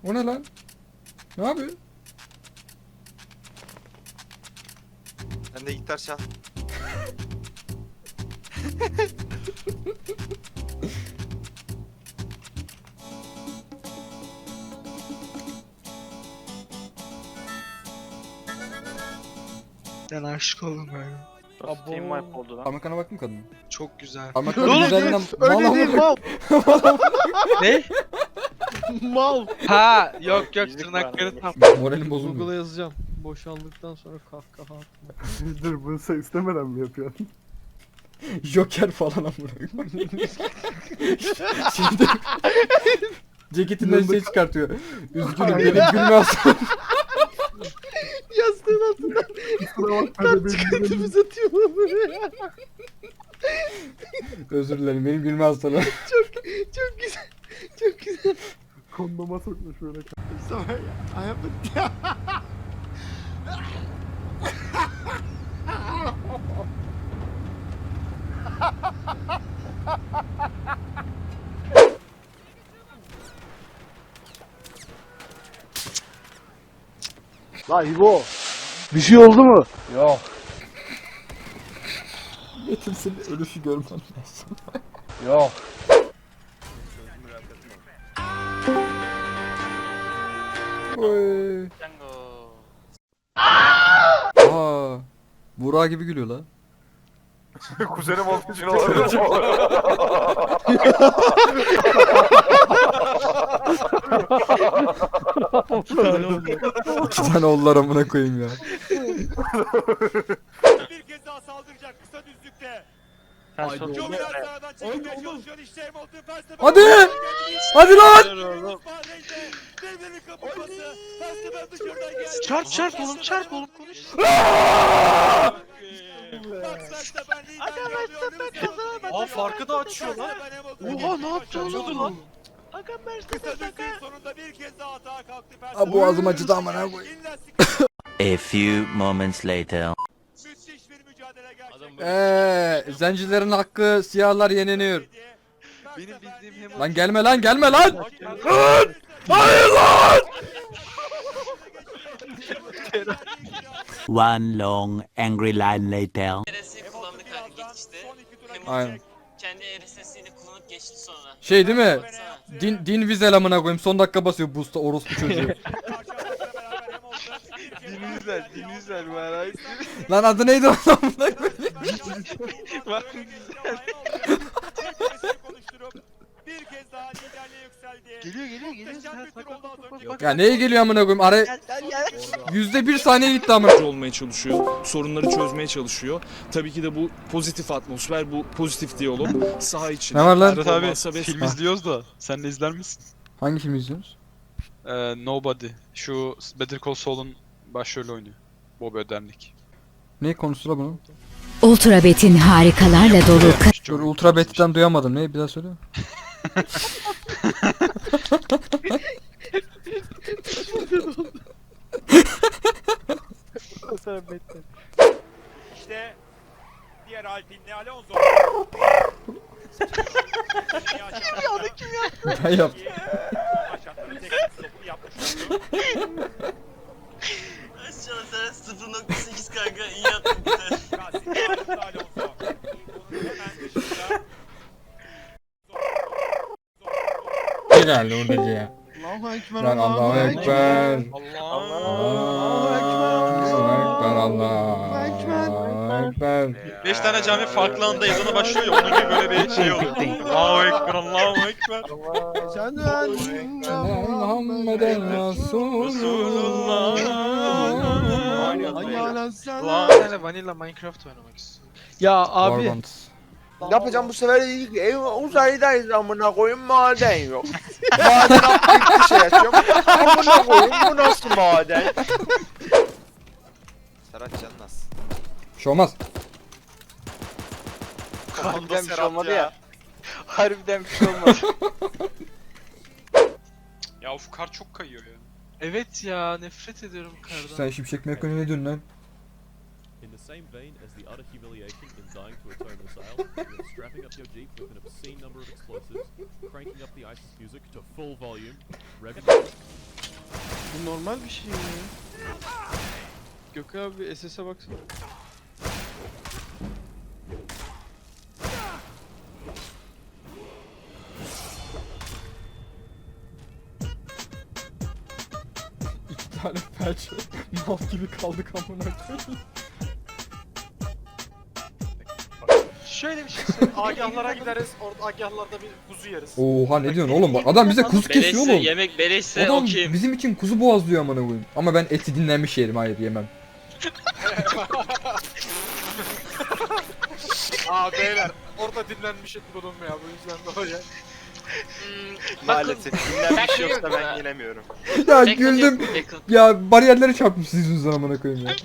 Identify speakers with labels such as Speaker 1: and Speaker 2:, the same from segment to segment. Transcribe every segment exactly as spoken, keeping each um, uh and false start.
Speaker 1: O ne lan? Ne yapıyorsun?
Speaker 2: Sen de gitar çal.
Speaker 3: Ben aşık oldum galiba.
Speaker 4: Team wipe oldu lan.
Speaker 1: Parmaklarına baktın mı kadının?
Speaker 3: Çok güzel.
Speaker 1: Parmaklarının güzelliğinden
Speaker 3: Öyle değil mal. Ne?
Speaker 5: Mal.
Speaker 3: Ha yok yok
Speaker 4: Yüzük
Speaker 3: tırnakları
Speaker 4: var.
Speaker 3: tam.
Speaker 1: Moralim bozulmuyor.
Speaker 5: Google'a yazacağım. Boşandıktan sonra kahkaha atma.
Speaker 6: Dur bunu sen istemeden mi yapıyorsun?
Speaker 1: Joker falan amına. Şimdi ceketinden şey çıkartıyor. Üzgünüm benim gülme hastam.
Speaker 5: Yastığın altından
Speaker 6: Kusura bakma
Speaker 5: kart
Speaker 6: bebeğim.
Speaker 5: çıkartıp uzatıyor lan buraya.
Speaker 1: Özür dilerim benim gülme hastalığım.
Speaker 5: Çok çok güzel. Çok güzel.
Speaker 6: Kondoma sokmuş böyle.
Speaker 5: Sorry, I have a...
Speaker 6: Lan İbo. Bir şey oldu mu? Yok.
Speaker 1: Metin senin ölüşü görmen lazım.
Speaker 6: Yok.
Speaker 1: Oy.
Speaker 4: Django.
Speaker 1: Aa. Burak gibi gülüyor la.
Speaker 2: Kuzenim olduğu için olabilir.
Speaker 1: İki tane oldular amına koyayım ya.
Speaker 7: Bir kez daha saldıracak kısa düzlükte.
Speaker 4: Sen sor.
Speaker 7: Çok biraz sağdan çekilmeye çalışıyor işte Hamilton Verstappen.
Speaker 1: Hadi! Hadi lan!
Speaker 7: Devlerin kapatması. Verstappen dışarıdan geldi.
Speaker 3: Çarp çarp oğlum çarp oğlum konuş.
Speaker 7: Max Verstappen liderliği alıyor.
Speaker 2: Aa farkı da açıyor lan.
Speaker 3: Oha ne yaptı oğlum lan?
Speaker 7: Kısa düzlüğün sonunda bir kez daha atağa kalktı.
Speaker 1: Aa, boğazım acıdı amına koyayım.
Speaker 8: A few moments later.
Speaker 7: Müthiş bir mücadele gerçekleşti.
Speaker 1: Eee zencilerin hakkı siyahlar yeniliyor.
Speaker 3: Benim bildiğim hem
Speaker 1: Lan gelme lan gelme lan.
Speaker 7: Lan!
Speaker 1: Hayır lan!
Speaker 8: One long angry line later.
Speaker 9: R S S kullandık hadi geçişte.
Speaker 1: Aynen.
Speaker 9: Kendi R S S'ini kullanıp geçti sonra.
Speaker 1: Şey değil mi?
Speaker 7: Baksana.
Speaker 1: Din din vizel amına koyayım. Son dakika basıyor boost'a orospu çocuğu.
Speaker 3: dinizler dinizler merak etme.
Speaker 1: Lan adı neydi o amına koyayım?
Speaker 7: Bir kez daha liderliğe yükseldi.
Speaker 3: Geliyor geliyor geliyor.
Speaker 7: Muhteşem bir tur oldu az önce.
Speaker 1: Ya neye geliyor amına koyayım? Ara
Speaker 3: Gel gel gel.
Speaker 1: yüzde bir saniye gitti amına.
Speaker 10: olmaya çalışıyor. Sorunları çözmeye çalışıyor. Tabii ki de bu pozitif atmosfer, bu pozitif diyalog saha için.
Speaker 1: Ne var lan?
Speaker 10: Murat abi film
Speaker 1: Ha.
Speaker 10: izliyoruz da sen de izler misin?
Speaker 1: Hangi film izliyorsunuz?
Speaker 10: Ee, Nobody. Şu Better Call Saul'un başrolü oynuyor. Bob Odenkirk.
Speaker 1: Ne konusu la bunun?
Speaker 11: Ultra Bet'in harikalarla dolu
Speaker 1: Dur Ultra Bet'ten duyamadım. Ne bir daha söyle.
Speaker 7: İşte diğer Alpinli Alonso. Kim ya onu kim ya?
Speaker 1: Ben yaptım.
Speaker 7: Aşağıda tek stopunu yapmış oldu.
Speaker 9: Aşağı sen sıfır nokta sekiz kanka iyi yaptın güzel.
Speaker 7: Gazi ağırlıklı Alonso. Onun hemen dışında.
Speaker 1: Ne geldi oradaki ya?
Speaker 5: Allahu Ekber.
Speaker 1: Lan Allahu Ekber.
Speaker 5: Allahu Ekber.
Speaker 1: Allahu Ekber.
Speaker 10: Beş tane cami farklı anda ezanı başlıyor ya onun gibi böyle bir şey oluyor. Allahu Ekber, Allahu Ekber.
Speaker 5: Sen de
Speaker 1: Muhammeden Resulullah.
Speaker 3: Lan bir tane vanilla Minecraft oynamak istiyorum.
Speaker 5: Ya abi.
Speaker 1: Warband.
Speaker 2: Ne yapacağım bu sefer iyi ki ev uzaydayız amına koyayım maden yok. Maden atlayıp bir şey açıyorum. Amına koyayım bu nasıl maden? Serhat Canlas.
Speaker 1: Bir şey olmaz.
Speaker 2: Harbiden bir şey olmadı ya.
Speaker 3: Harbiden bir şey olmadı.
Speaker 10: Ya of kar çok kayıyor ya.
Speaker 3: Evet ya nefret ediyorum kardan.
Speaker 1: Sen Şimşek McQueen'e ne diyorsun lan?
Speaker 12: In the same vein as the utter humiliation in dying to a tone missile, you're strapping up your Jeep with an obscene number of explosives, cranking up the ISIS music to full volume, revving
Speaker 5: Bu normal bir şey ya. Gökay abi S S'e baksana.
Speaker 1: İki tane felç mal gibi kaldık amına koyayım.
Speaker 3: Şöyle bir şey söyleyeyim. Agahlara gideriz. Orada agahlarda bir kuzu yeriz.
Speaker 1: Oha ne diyorsun oğlum bak adam bize kuzu kesiyor oğlum.
Speaker 4: Yemek beleşse
Speaker 1: Adam
Speaker 4: okeyim.
Speaker 1: bizim için kuzu boğazlıyor amına koyayım. Ama ben eti dinlenmiş yerim, hayır yemem.
Speaker 3: Aa beyler orada dinlenmiş et bulunmuyor bu yüzden de oraya.
Speaker 2: Maalesef dinlenmiş yoksa ben gelemiyorum.
Speaker 1: Ya güldüm. Ya bariyerlere çarpmışsınız yüzünden amına koyayım ya.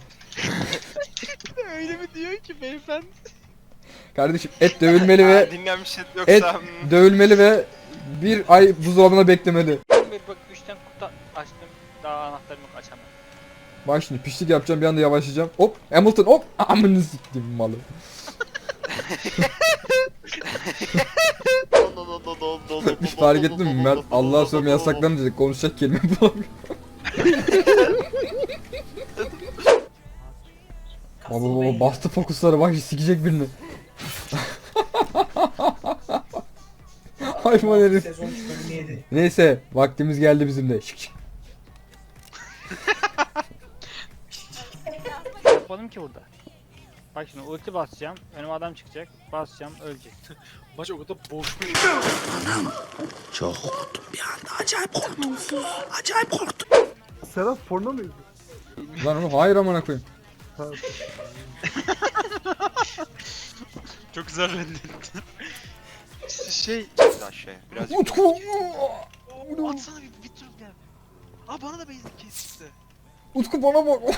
Speaker 3: Öyle mi diyor ki beyefendi?
Speaker 1: Kardeşim et dövülmeli ve
Speaker 2: Dinlenmiş et
Speaker 1: et
Speaker 2: yoksa...
Speaker 1: dövülmeli ve bir ay buzdolabına beklemeli.
Speaker 4: Bak üçten kutu açtım. Daha anahtarım yok açamam.
Speaker 1: Bak şimdi pişlik yapacağım, bir anda yavaşlayacağım. Hop Hamilton hop amını siktim malı. Hiç fark ettin mi Mert? Allah'a sövme yasaklanır dedik, konuşacak kelime bulamıyorum. Baba baba bastı fokusları, bak sikecek birini. Hayvan herif. Neyse vaktimiz geldi bizim de. Şık şık.
Speaker 4: Yapmadım ki burada. Bak şimdi ulti basacağım. Önüme adam çıkacak. Basacağım ölecek.
Speaker 3: Maç o kadar boş bir
Speaker 8: Çok korktum bir anda. Acayip korktum. Acayip korktum.
Speaker 6: Serhat porno muydu?
Speaker 1: Lan oğlum hayır amına koyayım.
Speaker 3: Çok güzel rendeledi. Şey
Speaker 2: Biraz şey, biraz
Speaker 1: Utku.
Speaker 3: atsana bir, bir tur gel. Aa bana da benzin kesti.
Speaker 1: Utku bana bak.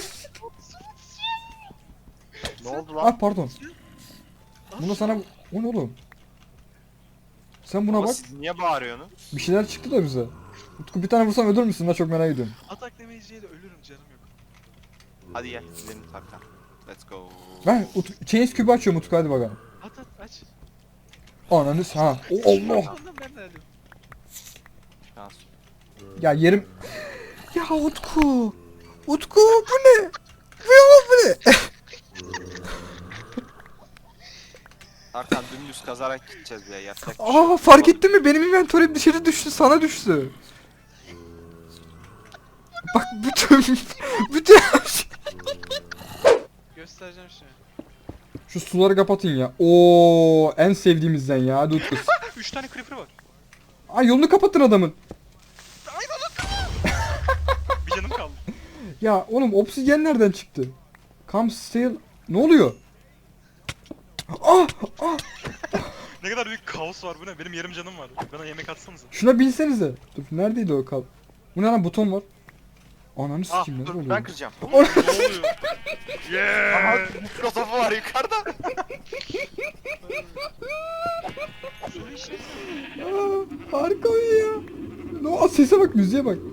Speaker 2: Ne oldu lan?
Speaker 1: Ah pardon. Buna sana... O ne oğlum? Sen buna
Speaker 2: Ama
Speaker 1: bak.
Speaker 2: siz niye bağırıyorsunuz?
Speaker 1: Bir şeyler çıktı da bize. Utku bir tane vursam ölür müsün? Ben çok merak ediyorum.
Speaker 3: Atak demeyeceği de ölürüm canım yok.
Speaker 2: Hadi gel, gidelim takla. Let's go.
Speaker 1: Ben Ut Chains kübü açıyorum Utku, hadi bakalım.
Speaker 3: At at aç.
Speaker 1: Ananı s- ha. O Allah.
Speaker 3: Ondan ben de alayım.
Speaker 2: Şans.
Speaker 1: Ya yerim. Ya Utku. Utku bu ne? Bu bu ne?
Speaker 2: Arkan dümdüz kazarak gideceğiz ya, yapacak bir şey yok.
Speaker 1: Aa fark ettin mi? Benim inventörüm dışarı düştü, sana düştü. Bak bütün bütün
Speaker 3: Göstereceğim şimdi.
Speaker 1: şu suları kapatın ya. Oo en sevdiğimizden ya. Hadi Utku.
Speaker 3: üç tane creeper var.
Speaker 1: Ay yolunu kapatın adamın.
Speaker 3: Bir canım kaldı.
Speaker 1: Ya oğlum obsidyen nereden çıktı? Come steal. Ne oluyor? Ah! Ah!
Speaker 3: Ne kadar büyük kaos var bu ne? Benim yarım canım var. Bana yemek atsanıza.
Speaker 1: Şuna binsenize. Dur neredeydi o kal? Bu ne lan, buton var. Ananı
Speaker 2: Ah
Speaker 1: sikeyim ne
Speaker 2: dur
Speaker 1: oluyor?
Speaker 2: ben kıracağım.
Speaker 3: Ne oluyor?
Speaker 2: Aha mikrotopu var yukarıda.
Speaker 1: Aa, harika oyun ya. No, sese bak, müziğe bak.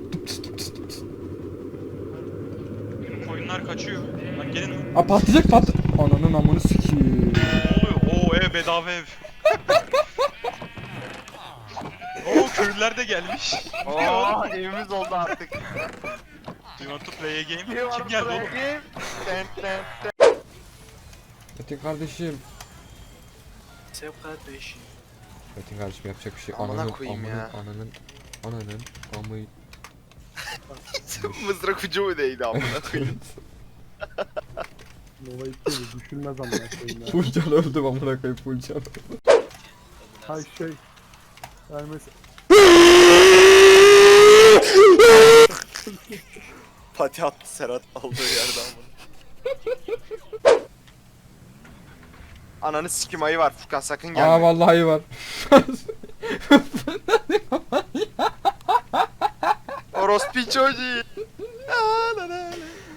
Speaker 3: Koyunlar kaçıyor. Lan gelin lan.
Speaker 1: Aa patlayacak pat. Ananın amını sikeyim.
Speaker 3: Ne oluyor? Oo ev bedava ev. Oo köylüler de gelmiş.
Speaker 2: Oo evimiz oldu artık.
Speaker 3: Do you want to play a game? Kim geldi oğlum?
Speaker 2: Ten, ten, ten.
Speaker 1: Metin kardeşim.
Speaker 3: Sev kardeşim.
Speaker 1: Metin kardeşim yapacak bir şey.
Speaker 2: Amına
Speaker 1: Ananın,
Speaker 2: koyayım
Speaker 1: ananın,
Speaker 2: ya.
Speaker 1: Ananın, ananın, amı.
Speaker 2: Mızrak ucu mu değdi amına koyayım?
Speaker 6: Nova itti düşünmez amına koyayım ya.
Speaker 1: Fulcan öldüm amına koyayım Fulcan.
Speaker 6: Hay şey. Yani mesela
Speaker 2: Pati attı Serhat aldığı yerde amına. Ananı sikim ayı var Furkan, sakın gelme.
Speaker 1: Aa vallahi var.
Speaker 2: Orospu çocuğu. Aa, la, la, la.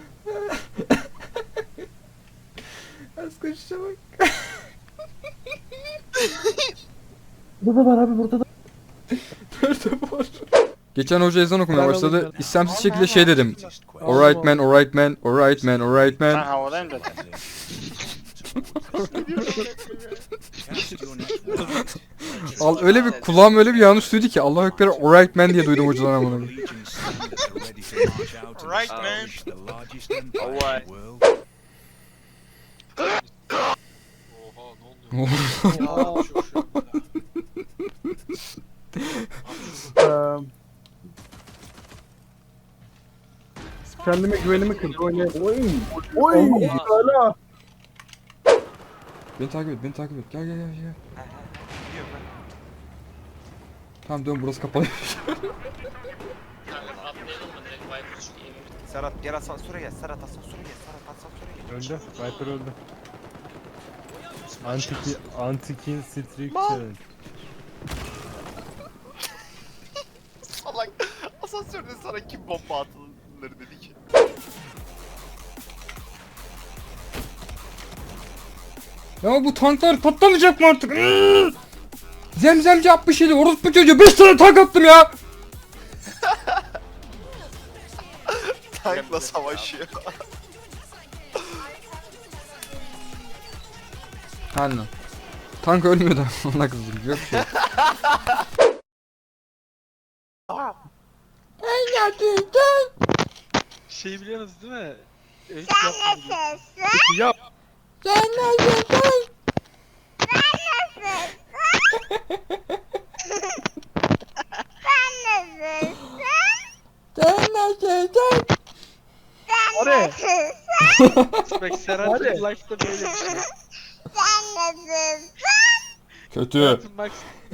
Speaker 1: Az koşuşa bak.
Speaker 6: burada da var abi, burada da.
Speaker 1: Nerede var? Geçen hoca ezan okumaya
Speaker 6: Ben
Speaker 1: başladı.
Speaker 6: alayım
Speaker 1: İstemsiz şekilde şey dedim. Alright man, alright man, alright man, alright
Speaker 4: Ben
Speaker 1: man.
Speaker 4: havadayım zaten.
Speaker 1: Al öyle bir kulağım öyle bir yanlış duydu ki Allahu Ekber alright man diye duydum hocadan amına koyayım.
Speaker 3: Right man.
Speaker 2: Alright.
Speaker 3: Oha ne oluyor?
Speaker 6: Eee, Kendime güvenimi kırdı. Oynayayım. Oy. Oy. Hala.
Speaker 1: Beni takip et, beni takip et. Gel gel gel gel. Tamam dön burası kapalı.
Speaker 2: Serhat gel asansöre gel. Serhat asansöre gel. Serhat asansöre gel.
Speaker 6: Öldü. Viper öldü. Antiki, Antikin Strike Challenge.
Speaker 2: Salak. Asansörde sana kim bomba atılır dedi ki.
Speaker 1: Ya bu tanklar patlamayacak mı artık? Iıı! Zemzemci yapmış yedi. Orospu çocuğu beş tane tank attım ya.
Speaker 2: Tankla savaşıyor.
Speaker 1: Anladım. Tank ölmüyor da ona kızdım. Yok şey.
Speaker 5: Şey biliyorsunuz değil mi? Öyle yapmadım.
Speaker 6: Yap. Hadi.
Speaker 5: Bak Serhat
Speaker 6: Hadi.
Speaker 5: Real Life'da böyle bir şey.
Speaker 1: Kötü.
Speaker 5: Bak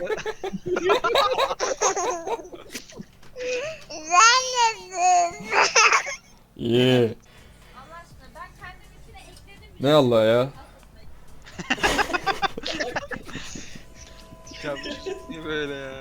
Speaker 1: İyi. Ne Allah ya?
Speaker 5: ya niye böyle ya?